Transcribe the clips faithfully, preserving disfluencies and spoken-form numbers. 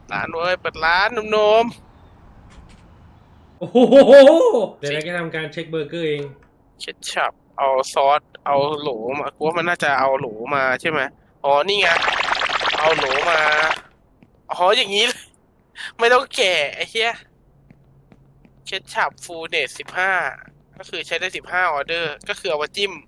ร้านเว้ยเปิดร้านหนุ่มโอ้โหเดี๋ยวเราจะทำการเช็คเบอร์เกอร์เองๆเช็ดฉับเอาซอสเอาโหลมากูว่ามันน่าจะเอาโหลมาใช่ไหมอ๋อนี่ไงเอาโหลมาอ๋ออย่างนี้เลยไม่ต้องแกะไอ้เหี้ยเช็ดฉับฟูลเนสสิบห้าก็คือใช้ได้สิบห้าออเดอร์ก็คือเอามาจิ้ม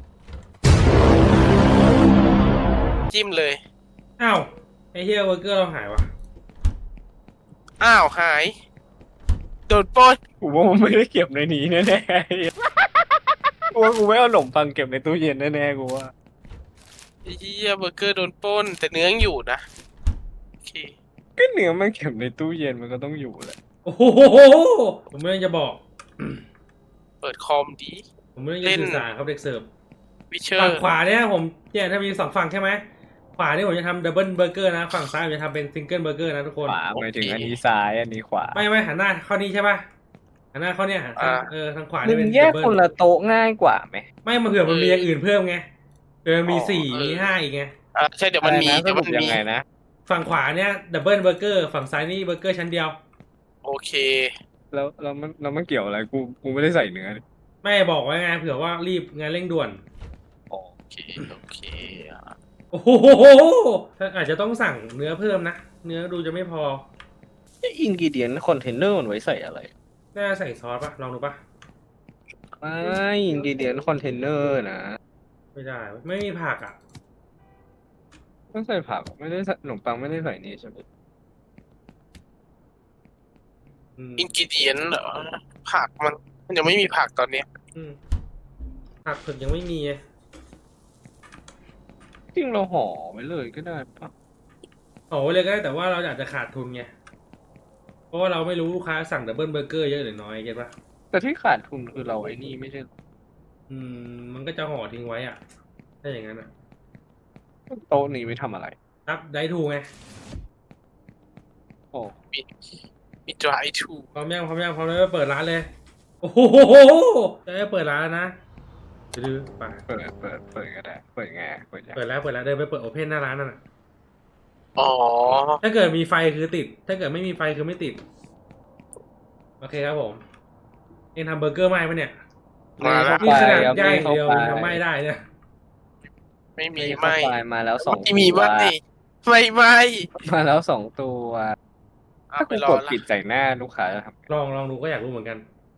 จิ้มเลยอ้าวไอ้เฮียเบอร์เกอร์เราหายวะอ้าวหายโดนปล้นกูว่ามันไม่ได้เก็บในนี้แน่ๆกูว่ากูไม่เอาขนมปังเก็บในตู้เย็นแน่ๆกูว่าไอ้เหี้ยเบอร์เกอร์โดนปล้นแต่เนื้อยังอยู่นะโอเคก็เนื้อไม่เก็บในตู้เย็นมันก็ต้องอยู่แหละโอ้โหผมไม่ได้จะบอกเปิดคอมดีผมไม่ได้จะสื่อสารครับเด็กเสิร์ฟวิเชอฝั่งร์ขวาเนี่ยผมเนี่ยถ้ามีสองฝั่งใช่ไหมขวานี่ผมจะทำดับเบิลเบอร์เกอร์นะฝั่งซ้ายผมจะทำเป็นซิงเกิลเบอร์เกอร์นะทุกคนขวาหมายถึงอันนี้ซ้ายอันนี้ขวาไม่ไม่หันหน้าเข้านี่ใช่ป่ะหันหน้าเข้าเนี่ยหันทางเออทางขวามึนี่เป็งนแยกดับเบิลคนละโต๊ะง่ายกว่าไหมไม่มาเผื่อมันมีอย่างอื่นเพิ่มไงเออมีสี่อ๋อเออมีห้าอีกไงอ่าใช่เดี๋ยวมันมีอะไรนะเดี๋ยวมันสรุปยัมีงไงนะฝั่งขวาเนี่ยดับเบิลเบอร์เกอร์ฝั่งซ้ายนี่เบอร์เกอร์ชั้นเดียวโอเคแล้วแล้วมันแล้วมันเกี่ยวอะไรกูกูไม่ได้ใส่เนื้อนี่ไม่บอกไว้ไงเผื่อว่ารีบงานเร่งด่วนอ๋อโอเคโอเคอ่ะโอ้โหถ้าอาจจะต้องสั่งเนื้อเพิ่มนะ เนื้อดูจะไม่พออินกิเดียนคอนเทนเนอร์มันไว้ใส่อะไรน่าใส่ซอสปะลองดูปะไม่อินกิเดียนคอนเทนเนอร์นะไม่ได้ ไม่มีผักอ่ะต้องใส่ผักไม่ได้ใส่ขนมปังไม่ได้ใส่นี่ใช่ไหมอืมอินกิเดียนเหรอผักมันมันยังไม่มีผักตอนเนี้ยอืมผักถึงยังไม่มีไงจริงเราห่อไว้เลยก็ได้ปะโอ้เลยก็ได้แต่ว่าเราอาจจะขาดทุนไง เพราะว่าเราไม่รู้ลูกค้าสั่งดับเบิลเบอร์เกอร์เยอะหรือน้อยเก็ตปะแต่ที่ขาดทุนคือเราไอ้นี่ไม่ใช่หรออืมมันก็จะห่อทิ้งไว้อ่ะ ถ้าอย่างนั้นอ่ะโต๊ะนี้ไม่ทำอะไรครับได้ถูกไงโอ้มีมีดรายทูพร้อมยังพร้อมยังพร้อมแล้วเปิดร้านเลย โอ้โหจะได้เปิดร้านแล้วนะดื้อไปเปิดเปิดเปิดก็ได้เปิดไงเปิดยังเปิดแล้วเปิดแล้วเดินไปเปิดโอเพนหน้าร้านนั่นน่ะอ๋อถ้าเกิดมีไฟคือติด ถ้าเกิดไม่มีไฟคือไม่ติด โอเคครับผม เองทำเบอร์เกอร์ไหม้ปะเนี่ยมาแล้วนี่ขนาดครับย่างเข้าเดียวไปทำไหม้ได้เนี่ยไม่มีเข้าไม่ไปมาแล้วสองไม่มีตัวไม่ไม่ไม่มาแล้วสองตัวเอาถ้าไปกูรอกดละปิดใส่หน้าลูกค้าจะทำไงลองลองดูก็อยากรู้เหมือนกัน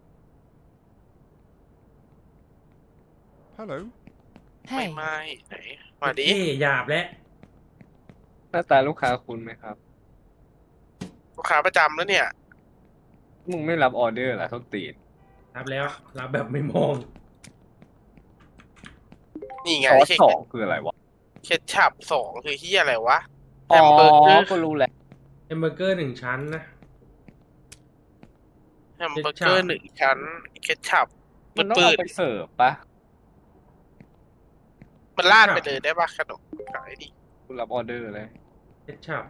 Hello. ไม่ Hey, ไม่ไหนมาดิเอ๊ะหยาบแล้วหน้าตาลูกค้าคุณไหมครับลูกค้าประจำแล้วเนี่ยมึงไม่รับออเดอร์เหรอเขาตีนรับแล้ว รับแบบไม่มองนี่ไงซอสเช็คสองคืออะไรวะเคชับสองคือที่อะไรวะแฮอ๋อมเบอร์เกอร์ก็รู้แหละเอ็มเบอร์เกอร์หนึ่งชั้นนะแฮมเบอร์เกอร์หนึ่งชั้นเคชับมันต้องปืเอาดไปเสิร์ฟปะๆมันลาดไปเลยได้ปะขนมขายดิคุณรับออเดอร์เลยเอชชับ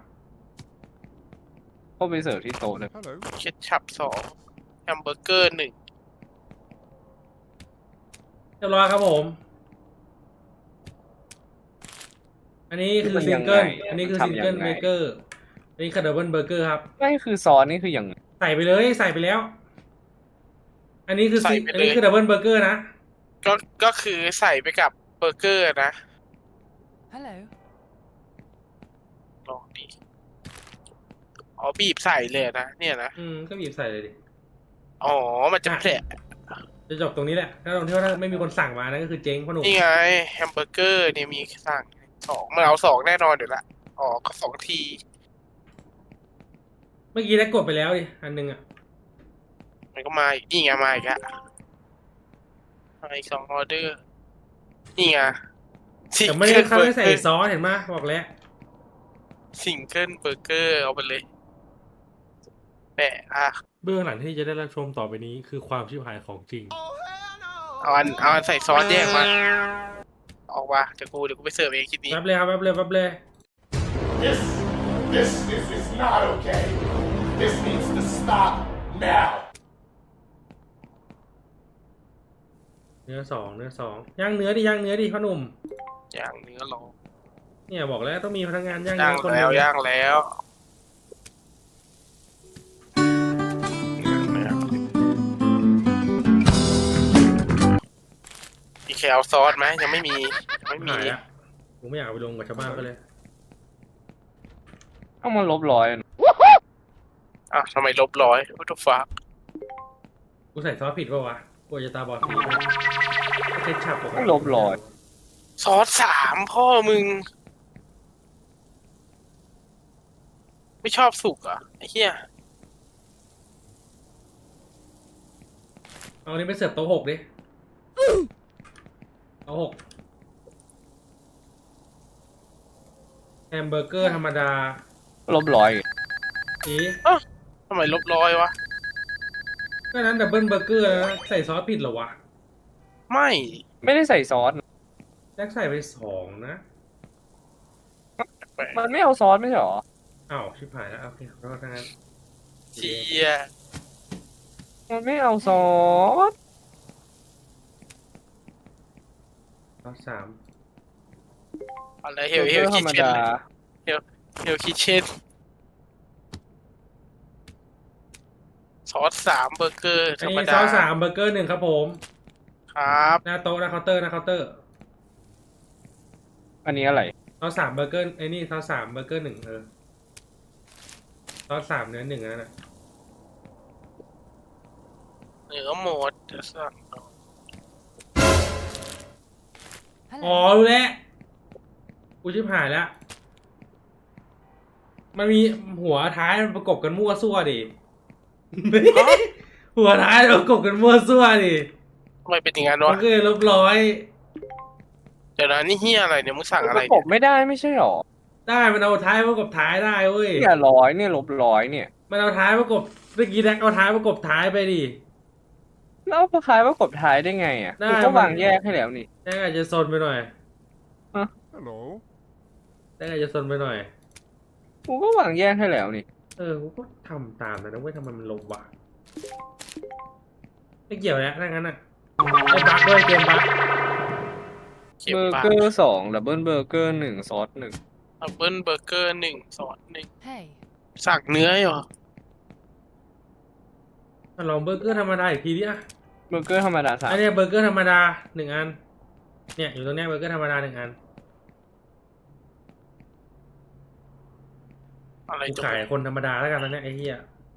ก็ไปเสิร์ฟที่โต๊ะเลย Hello. เคชับสองแฮมเบอร์เกอร์หนึ่งเรียบร้อยครับผม อันนี้คือมันซิยัง งเกิลไงอันนี้คือมันซิงทำยังเกิลไงเบเกอร์ อันนี้คือดับเบิลเบอร์เกอร์ครับไม่คือซอสนี่คืออย่างใส่ไปเลยใส่ไปแล้ว อันนี้คือใส่ซิไปอันเลนี้ยคือดับเบิลเบอร์เกอร์นะก็ก็คือใส่ไปกับเบอร์เกอร์นะ hello. ลองดิอ๋อบีบใส่เลยนะเนี่ยนะอืมก็บีบใส่เลยดิอ๋อมันจะแผลจะจบตรงนี้แหละ ถ้าตรงที่ว่าถ้าไม่มีคนสั่งมานั่นก็คือเจ๊งพ่อหนุ่มนี่ไงแฮมเบอร์เกอร์เนี่ยมีสั่งสองมันเอาสองแน่นอนเดี๋ยวละอ๋อก็สองทีเมื่อกี้ได้กดไปแล้วดิ อันหนึงอ่ะมันก็มาอีกนี่ไงมาอีกอะมาอีกสองออเดอร์นี่ไงซิแต่งไม่ได้เกิลเขาเบอไม่ร์ใส่เกอร์ซอสเห็นไหมบอกแล้วซิงเกิลเบอร์เกอร์เอาไปเลยแปะอ่ะเบื้องหลังที่จะได้รับชมต่อไปนี้คือความชิบหายของจริงเอาอันเอาอันใส่ซอสแยกมาออกมาเดี๋ยวกูเดี๋ยวกูไปเสิร์ฟเองคลิปนี้แป๊บเลยครับแป๊บเลยแป๊บเลย This, this, this is not okay. This needs to stop now. เนื้อสองเนื้อสองย่างเนื้อดิย่างเนื้อดิพ่อหนุ่มย่างเนื้อลองเนี่ยบอกแล้วต้องมีพนักงานย่างย่าเนื้งอคนหแล้นึ่วงย่างแล้วเคเอาซอสไหมยังไม่มียังไม่มีหายละกูไม่อยากเอาไปลงกับชาวบ้านก็เลยต้องมาลบร้อยอ่ะทำไมลบร้อยวัตถุฟ้ากูใส่ซอสผิดป่าวะกูจะตาบอดสีเช็ดฉับปกติต้องลบร้อยซอสสามพ่อมึง ไม่ชอบสุกเหรอ่ะไอ้เหี้ยเอาอันนี้ไปเสิร์ฟโต๊ะหกดิโต๊ะหกแฮมเบอร์เกอร์ธรรมดาลบร้อยอีทำไมลบร้อยวะก็นั้นดับเบิลเบอร์เกอร์นะใส่ซอสผิดเหรอวะไม่ไม่ได้ใส่ซอสแจ็คใส่ไปสองนะแปลกมันไม่เอาซอสไม่ใช่หรออ้าวชิบหายแล้วโอเคขอโทษทั้งนั้นเชียมันไม่เอาซอสซอสสามอะไรเฮเบลอร์เฮเกอลร์ธรคิรมเช่นดาเฮลคิเช่นซอสสามเบอร์เกอร์ธอันรรมนี้ซดาอสสามเบอร์เกอร์หนึ่งครับผมครับหน้าโต๊ะหน้าเคาน์เตอร์หน้าเคาน์เตอร์อันนี้อะไรซอสสามเบอร์เกอร์ไอ้นี่ซอสสามเบอร์เกอร์หนึ่งเออซอสสามเนื้อหนึ่งนั่นแหละเนื้อหมดจะสั่งอ๋อรู้แล้วกูชิบหายแล้ว มันมีหัวท้ายมันประกบกันมั่วซั่วดิ หัวท้ายประกบกันมั่วซั่วดิทำไมเป็นอย่างนั้นมัวะนก็เลยลบร้อยเดี๋ยวนะนี่เฮียอะไรเนี่ยมึงสั่งปอะไรระกเนี่บยไม่ได้ไม่ใช่หรอได้มันเอาท้ายประกบท้ายได้เว้ยเนี่ยร้อยเนี่ยลบร้อยเนี่ยมันเอาท้ายประกบเมื่อกี้แดกเอาท้ายประกบท้ายไปดิแล้วเอาคล้ายประกบท้ายได้ไงอ่ะได้กูก็มันวางแยกให้แล้วนี่แดกอาจจะซนไปหน่อย Hello. แดกอาจจะซนไปหน่อยกูก็วางแยกให้แล้วนี่เออกูก็ทำตามนะนะเว้ยทำไมมันลงวะไม่เกี่ยวแล้วถ้างั้นอ่ะไอ้บั๊กด้วยเกมบั๊กเก็บเบอร์ปากเกอร์สองดับเบิลเบอร์เกอร์หนึ่งซอสหนึ่งดับเบิลเบอร์เกอร์หนึ่งซอสหนึ่ง Hey. สั่งเนื้อเหรอมาลองเบอร์เกอร์ธรรมดาอีกทีดิอ่ะเบอร์เกอร์ธรรมดาสามอันเนี้ยเบอร์เกอร์ธรรมดาหนึ่งอัน เนี่ยอยู่ตรงเนี้ยเบอร์เกอร์ธรรมดาหนึ่งอันอะไรกูจะขายคนธรรมดาแล้วกันตอนเนี้ยไอ้เหี้ย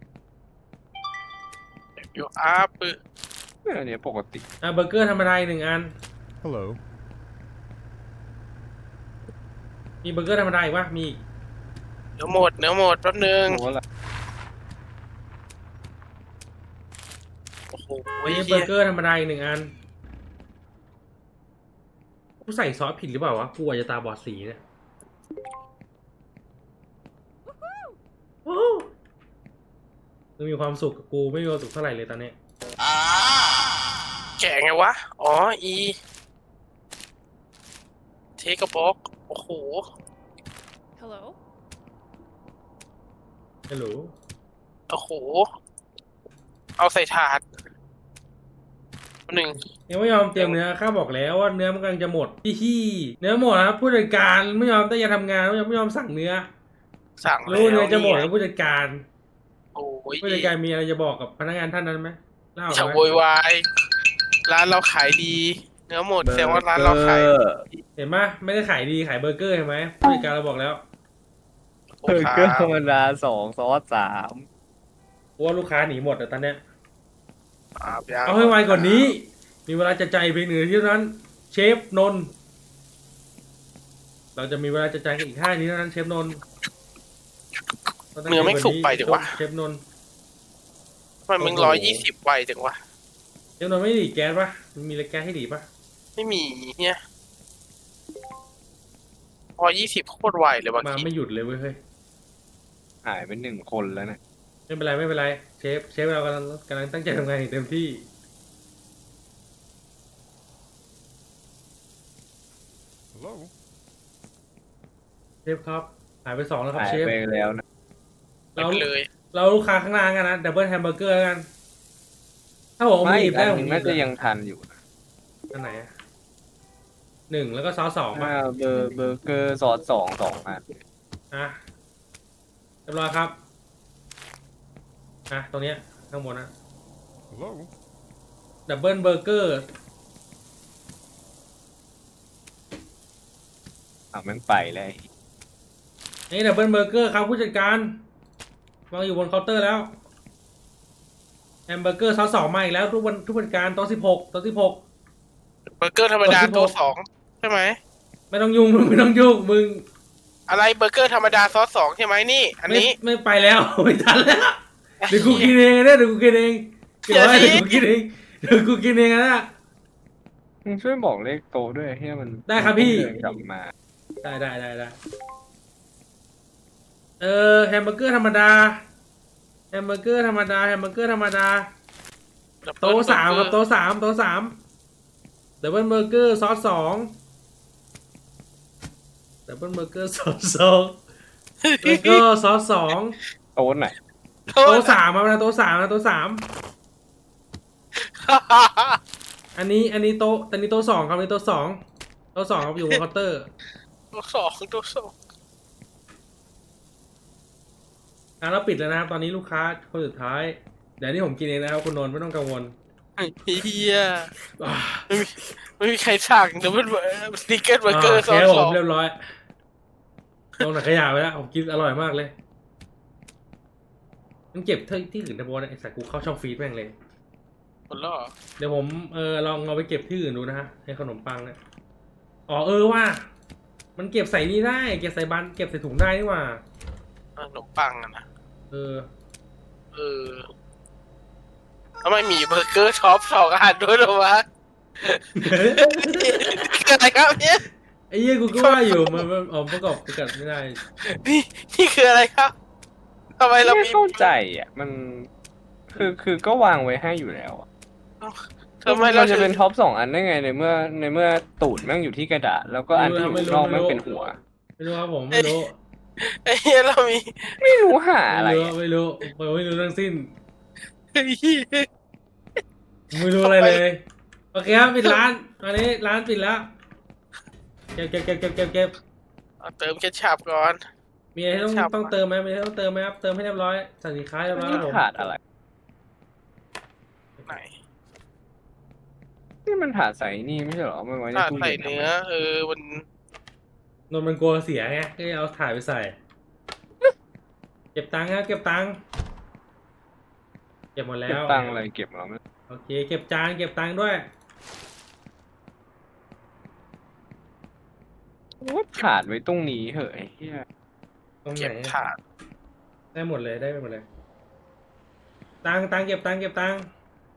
อยู่อาปึเนี่ยอันเนี้ยปกติอ่ะเบอร์เกอร์ธรรมดาอีกหนึ่งอัน Hello. มีเบอร์เกอร์ธรรมดาอีกปะมีอีกเนื้อหมดเนื้อหมดแป๊บนึงโอ้โหละโอ้โหอันนี้เบเฮีอย ร์เกอร์ธรรมดาอีกหนึ่งอัน กูใส่ซอสผิดหรือเปล่าวะ กูอาจจะตาบอดสีเนี่ยโอ้มึงมีความสุขกับกูไม่มีความสุขเท่าไหร่เลยตอนนี้แกะไงวะ อ๋อ อี เทกบ็อกโอ้โห Hello. ฮัลโหลโอ้โห เอาใส่ถาดหนึ่งยังไม่ยอมเตรียมเนื้อข้าบอกแล้วว่าเนื้อมันกำลังจะหมดพี่ขี้เนื้อหมดนะครับผู้จัดการไม่ยอมตั้งใจทำงานไม่ยอมไม่ยอมสั่งเนื้อสั่งรู้เนื้อจะหมดแล้แล้ว วผู้จัดการโอ้ยผู้จัดการมีอะไรจะบอกกับพนักงานท่านนั้นไหมเล่าอย่าไหมโวยวายร้านเราขายดี เนื้อหมดแสดงว่าร้านเราขายเห็นไหมไม่ได้ขายดีขายเบอร์เกอร์เห็นไหมผู้จัดการเราบอกแล้วเบอร์เกอร์ธรรมดาสองซอสสามกลัวลูกค้าหนีหมดแต่ตอนเนี้ยครับยังเอาให้ไวกว่านี้ มีเวลาจะใจายเพียงหนึ่งนาทีเท่านั้น เชฟนนท์เราจะมีเวลาจะใจายกันอีกห้านาทีเท่านั้นเชฟนนท์เนื้อไม่สุกไปจังวะเชฟนนท์ทำไมมึงร้อยยี่สิบไวจังวะเชฟนนท์ไม่ดีดแก๊สปะมันมีอะไรแก๊สให้ดีดปะไม่มีเนี่ยร้อยยี่สิบโคตรไวเลยบางมาทีไม่หยุดเลยเว้ยเฮ้ยหายไปหนึ่งคนแล้วนะไม่เป็นไรไม่เป็นไรเชฟเชฟเรากำลังกำลังตั้งใจทำงานอย่างเต็มที่ Hello. เชฟครับหายไปสองแล้วครับหายเชฟไปแล้วนะไม่เราไปเลยเราลูกค้าข้างล่างกันนะดับเบิลแฮมเบอร์เกอร์แล้วกัน ถ้าผมไม่มีอีกได้อันผหนึมงมีน่าจะยังทันอยู่นะอันไหนอะหนึ่งแล้วก็ซอสสองป่ะอ่าเบอร์เบอร์เกอร์ซอสสองสองอันอ่ะเรียบร้อยครับอ่ะตรงเนี้ยข้างบนนะ Hello. ดับเบิลเบอร์เกอร์อ่ะแม่งไปเลยนี่ดับเบิลเบอร์เกอร์ครับผู้จัดการวางอยู่บนเคาน์เตอร์แล้วแฮมเบอร์เกอร์ซอสสองมาอีกแล้วทุกวันทุกผู้จัดการโต๊ะสิบหกโต๊ะสิบหกเบอร์เกอร์ธรรมดาเบอร์สิบหกตัวสองใช่ไหมไม่ต้องยุ่งมึงไม่ต้องยุ่งมึงอะไรเบอร์เกอร์ธรรมดาซอสสองใช่ไหมนี่ อันไม่นี้ไม่ไปแล้ว ไม่ทันแล้วเดี๋ยวกูกินเองนะเดี๋ยวกูกินเองเดี๋ยวไว้เดี๋เดี๋ยยว วกูกินเองเดี๋ยวกูกินเองนะมึงช่วยบอกเลขโตะด้วยเฮียมันได้ครับพี่เดินกลับมาได้ได้ได้ได้เออแฮมเบอร์เกอร์ธรรมดาแฮมเบอร์เกอร์ธรรมดาแฮมเบอร์เกอร์ธรรมดาโต๊ะสามครับโต๊ะสามโต๊ะสามดับเบิลเบอร์เกอร์ซอสสองดับเบิลเบอร์เกอร์ซอสสองเบอร์เกอร์ซอสสองโต๊ะไหนโต๊ะโต๊ะสามมานะโต๊ะสามนะโต๊ะสามอันนี้อันนี้โต๊ะอันนี้โต๊ะสองครับอันนี้โต๊ะสองโต๊ะสองครับอยู่บนเคาน์เตอร์ตัวสองตัวสองอ่ะเราปิดแล้วนะครับตอนนี้ลูกค้าคนสุดท้ายเดี๋ยวนี้ผมกินเองนะครับคุณนนท์ไม่ต้องกังวลไอ้เฮียอ่าไม่มีไม่มีใครสั่งดับเบิลสติกเกอร์เบอร์เกอร์ซอโอสเคสผอมงเรียบร้อยลงหนักขยะไปแล้วผมกินอร่อยมากเลยมันเก็บที่ที่อื่นนะโบนะไอ้สัตว์กูเข้าช่องฟีดแม่งเลยหมดแล้วเหรอเดี๋ยวผมเออลองเอาไปเก็บที่อื่นดูนะฮะในขนมปังเนี่ยอ๋อเออว่า มันเก็บใส่นี่ได้เก็บใส่บันเก็บใส่ถุงได้นี่หว่าขนมปังอะนะเออเออทำไมมีเบอร์เกอร์ช็อปสองอันด้วยเหรอวะคืออะไรครับเนี่ยไอ้เหี้ยกูก็ว่าอยู่มันมันอ๋อประกอบประกอบไม่ได้นี่นี่คืออะไรครับทำไมเราไม่มีเข้าใจอ่ะมันคือคือก็วางไว้ให้อยู่แล้วอะทำไมเรานจะถึเป็งนท็อปสองอันได้ไงในเมื่อในเมื่อตูดแม่งอยู่ที่กระดาษแล้วก็อันที่อยู่ข้างนอกแม่งเป็นหัวไม่รู้ครับผมไม่รู้ไอ้เหี้ยเรามีไม่รู้หาอะไรไม่รู้อะไม่รู้ผมไม่รู้ทั้งสิ้นไอ้เหี้ยไม่รู้อะไรเลย โอเคครับปิดร้านตอนนี้ร้านปิดแล้ว เก็บเก็บเก็บเก็บเก็บเก็บเอาเติมเคชัพก่อนมีอะไรต้องครับต้องเติมไหมมีอะไรต้องเติมไหมครับ เติมให้เรียบร้อยสั่งสินค้าเรียบร้อยครับผมขาดอะไรไหนนี่มันถาดใส่นี่ไม่ใช่เหรอมันไว้ในถ้าตู้ใส่เย็นทำเนื้ไมอ เออมันนนท์มันกลัวเสียไงก็เลยเอาถ่ายไปใส่ เก็บตังค์ครับเก็บตังค์เก็บหมดแล้เก็บวตังค์อะไรเก็บแล้วไม่โอเค เก็บจานเก็บตังค์ด้วยว่าถาดไว้ตรงนี้เหอะไอ้เหี้ยตรงไหนเก็บถาดได้หมดเลยได้หมดเลย ตังค์ตังค์เก็บตังค์เก็บตังค์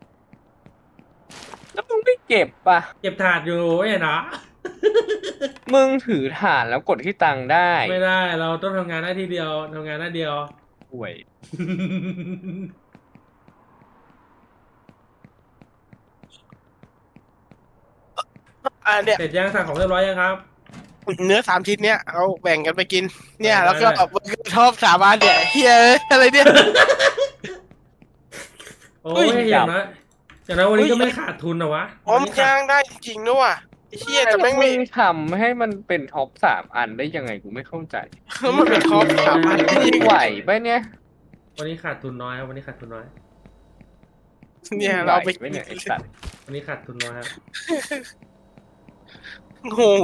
แล้วมึงไม่เก็บปะเก็บถาดอยู่ไอ้เนาะมึงถือถาดแล้วกดที่ตังค์ได้ไม่ได้เราต้องทำงานหน้าที่เดียวทำงานหน้าเดียวห่วยอ่าเนี่ยเสร็จยังสั่งของเรียบร้อยยังครับเนื้อสามชิ้นเนี้ยเราแบ่งกันไปกิน เนี่ยได้แล้วก็ได้เอาเบอร์เกอร์ชอบสามอันเนี่ยเฮียเอ้ยอะไรเนี่ยโอ้เฮ้ยยอย่างน้อยอย่างน้อยวันนี้เฮ้ยก็ไม่ขาดทุนนะวะอ๋อมันย่างได้จริงๆด้วยว่ะไอ้เฮียแต่แม่งไม่งทำให้มันเป็นท็อปสามอันได้ยังไงกูไม่เข้าใจมันเป็นท็อปสามอันจริงไหวปะเนี่ยวันนี้ขาดทุนน้อยครับวันนี้ขาดทุนน้อยเนี่ยเราไปไหวปะเนี่ยไอ้สัตว์วันนี้ขาดทุนน้อยครับงง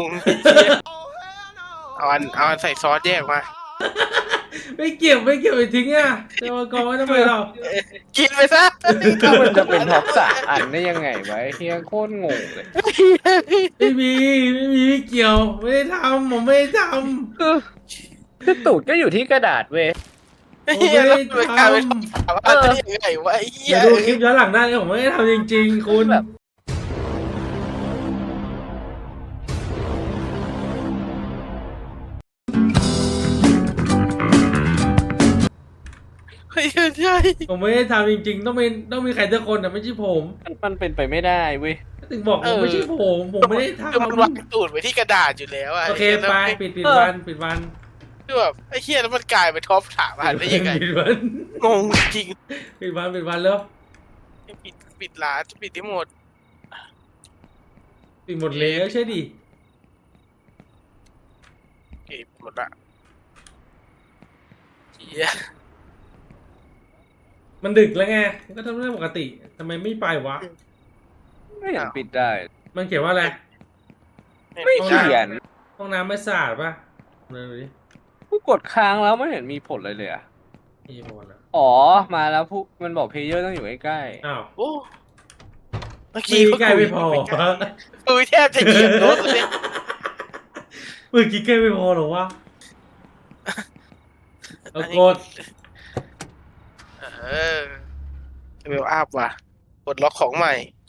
เอาอันเอาอันใส่ซอสแยกมาไม่เก็บไม่เก็บไปทิ้งอ่ะจะมากองไว้ทำไมเรากินไปซะถ้ามันจะเป็นท็อปสามอันได้ยังไงวะไอ้เฮียโคตรงงเลยไม่มีไม่มีไม่เกี่ยวไม่ได้ทำผมไม่ได้ทคือคือตูดก็อยู่ที่กระดาษเว้ยำผมไม่ได้ทกลายเป็นถามว่าได้ยังไงวะไอ้ำเหี้เดี๋ยวดูคลิปย้อนหลังได้เลยผมไม่ได้ทำจริงๆคุณแบบเฮ้ยใช่ผมไม่ได้ทำจริงๆ ต้องมีต้องมีใครสักคนแต่ไม่ใช่ผมมันเป็นไปไม่ได้เว้ยถึงบอกผมไม่ใช่ผมผมไม่ได้ทคือมันวางตูดไว้ที่กระดาษอยู่แล้วอะำโอเคไปปิดปิดวันปิดวันคือแบบไอ้เหี้ยแล้วมันกลายเป็นท็อปสามอันได้ยังไงปิดวันงงจริงปิดวันปิดวันแล้วปิดปิดร้านจะปิดที่หมดปิดหมดแล้วใช่ดิปิดหมดละเหี้ยมันดึกแล้วไงมันก็ทำเรื่องปกติทำไมไม่ไปวะไม่เห็นปิดได้มันเขียนว่าอะไรไม่เขียนห้องน้ำไม่สะอาดป่ะนั่นดูดิกูกดค้างแล้วไม่เห็นมีผลเลยเลยอะมีผลอ่ะอ๋อมาแล้วผู้มันบอกเพลเยอร์ต้องอยู่ใกล้อ้าวโอ้เมื่อมีกี้ใกล้ไม่พอกูแทบจะเหยียบรถเลยเมื่อกี้ใกล้ไม่พอหรอวะเอากดเออเวลอัพว่ะกดล็อกของใหม่